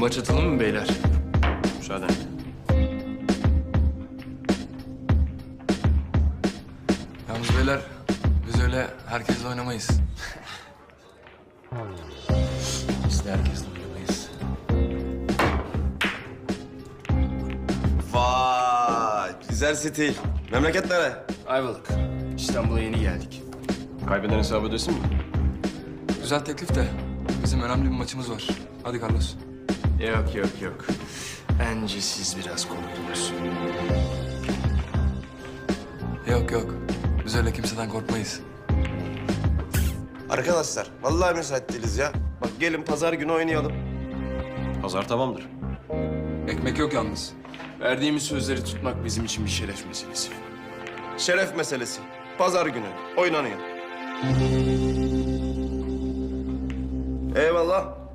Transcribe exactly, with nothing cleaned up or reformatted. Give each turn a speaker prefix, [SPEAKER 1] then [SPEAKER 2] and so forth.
[SPEAKER 1] Maç atalım mı beyler?
[SPEAKER 2] Müsaaden.
[SPEAKER 3] Yalnız beyler, biz öyle herkesle oynamayız.
[SPEAKER 1] Biz de herkesle oynamayız.
[SPEAKER 2] Vay, güzel stil. Memleket nere?
[SPEAKER 1] Ayvalık. İstanbul'a yeni geldik.
[SPEAKER 2] Kaybeden hesabı ödesin mi?
[SPEAKER 3] Güzel teklif de bizim önemli bir maçımız var. Hadi Carlos.
[SPEAKER 1] Yok yok yok. Bence siz biraz korktunuz.
[SPEAKER 3] Yok yok, biz öyle kimseden korkmayız.
[SPEAKER 2] Arkadaşlar, vallahi müsait değiliz ya. Bak gelin pazar günü oynayalım. Pazar tamamdır.
[SPEAKER 3] Ekmek yok yalnız.
[SPEAKER 1] Verdiğimiz sözleri tutmak bizim için bir şeref meselesi.
[SPEAKER 2] Şeref meselesi. Pazar günü oynanıyor. Eyvallah.